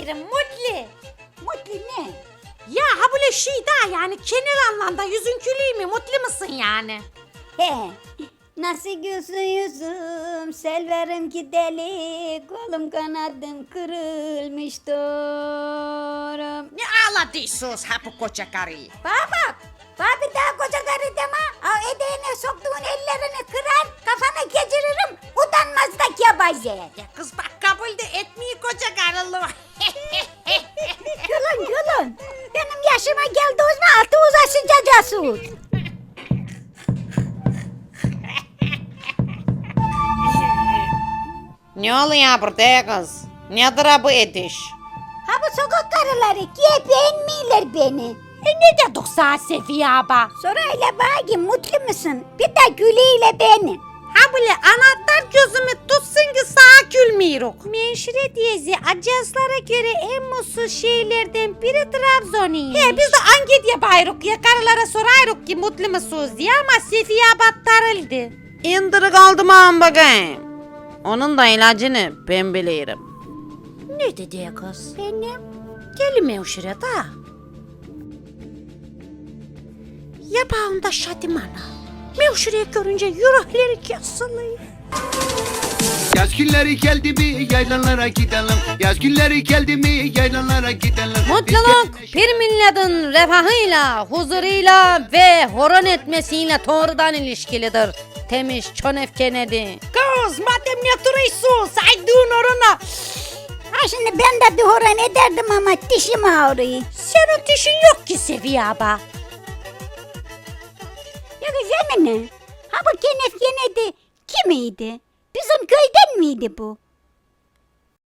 diyorum mutlu. Mutlu ne? Ya ha böyle şey daha yani genel anlamda yüzün gülüyor mu mutlu musun yani? He. Nasıl gülsün yüzüm, selverim ki deli, kolum kanadım kırılmış doğrum. Ne ağladıysunuz ha bu koca karıyı? Baba, bir daha koca karı deme. Edeğine soktuğun ellerini kırar, kafana geçiririm, utanmazdak yabancı. Ya kız bak kabul de etmiyor koca karılığı. Gülün. Benim yaşıma geldiğinizde altı uzasıcacasın. Ne oluyor burada kız? Nedir ha bu ediş? Ha bu sokak karıları ki beğenmiyorlar beni. Ne dedik sana Sefiye abla? Sorayla bana mutlu musun? Bir de gülüyle beni. Ha böyle anahtar gözümü tutsun ki sağa gülmüyoruz. Menşire diyezi ajanslara göre en mutsuz şehirlerden biri Trabzon'uymuş. He biz de anket yaparız ya karılara sorarız ki mutlu musunuz diye ama Sefiye abla tarıldı. İndirik aldım ağam bakayım. Onun da ilacını ben bilirim. Ne dedi ya kız? Benim. Gelme uşura da. Yapağında Şadimana. Mevşureyi görünce yürekleri kesildi. Yaz günleri geldi mi yaylalara gidelim. Yaz günleri geldi mi yaylalara gidelim. Mutluluk bir milletin refahıyla, huzuruyla ve horon etmesiyle doğrudan ilişkilidir. Demiş John F. Kennedy. Kız madem ne duruyorsun saydığın orana. Ha şimdi ben de duhoran ederdim ama dişim ağrıyor. Senin dişin yok ki Seviye abla. Ya güzel mi ne? Ha bu Kenneth Kennedy kimiydi? Bizim köyden miydi bu?